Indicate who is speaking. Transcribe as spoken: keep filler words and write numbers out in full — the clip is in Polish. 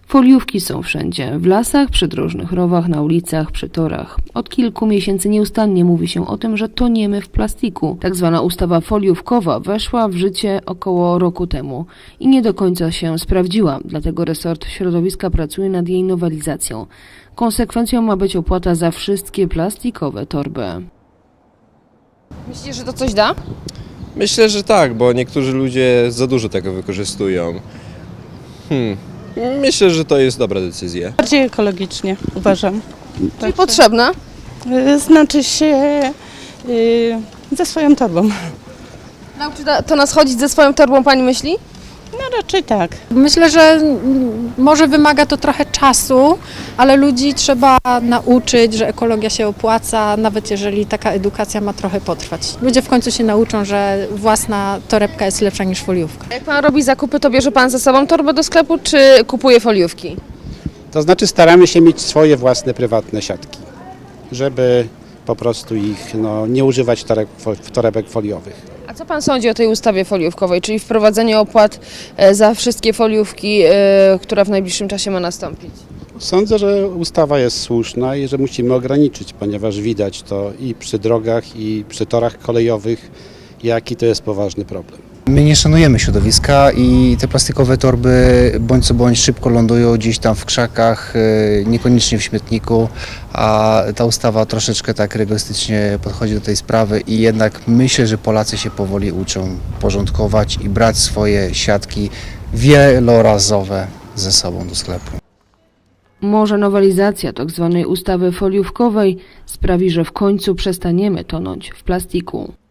Speaker 1: Foliówki są wszędzie, w lasach, przydrożnych rowach, na ulicach, przy torach. Od kilku miesięcy nieustannie mówi się o tym, że toniemy w plastiku. Tak zwana ustawa foliówkowa weszła w życie około roku temu i nie do końca się sprawdziła, dlatego resort środowiska pracuje nad jej nowelizacją. Konsekwencją ma być opłata za wszystkie plastikowe torby.
Speaker 2: Myślicie, że to coś da?
Speaker 3: Myślę, że tak, bo niektórzy ludzie za dużo tego wykorzystują. Hmm. Myślę, że to jest dobra decyzja.
Speaker 4: Bardziej ekologicznie, uważam.
Speaker 2: Czyli potrzebna?
Speaker 4: Y, Znaczy się y, ze swoją torbą.
Speaker 2: Nauczy to nas chodzić ze swoją torbą, pani myśli?
Speaker 4: No raczej tak.
Speaker 5: Myślę, że mm, może wymaga to trochę czasu, ale ludzi trzeba nauczyć, że ekologia się opłaca, nawet jeżeli taka edukacja ma trochę potrwać. Ludzie w końcu się nauczą, że własna torebka jest lepsza niż foliówka.
Speaker 2: Jak pan robi zakupy, to bierze pan ze sobą torbę do sklepu, czy kupuje foliówki?
Speaker 6: To znaczy staramy się mieć swoje własne prywatne siatki, żeby po prostu ich no, nie używać toreb, torebek foliowych.
Speaker 2: A co pan sądzi o tej ustawie foliówkowej, czyli wprowadzenie opłat za wszystkie foliówki, która w najbliższym czasie ma nastąpić?
Speaker 6: Sądzę, że ustawa jest słuszna i że musimy ograniczyć, ponieważ widać to i przy drogach, i przy torach kolejowych, jaki to jest poważny problem.
Speaker 7: My nie szanujemy środowiska i te plastikowe torby bądź co bądź szybko lądują gdzieś tam w krzakach, niekoniecznie w śmietniku, a ta ustawa troszeczkę tak rygorystycznie podchodzi do tej sprawy i jednak myślę, że Polacy się powoli uczą porządkować i brać swoje siatki wielorazowe ze sobą do sklepu.
Speaker 1: Może nowelizacja tzw. ustawy foliówkowej sprawi, że w końcu przestaniemy tonąć w plastiku.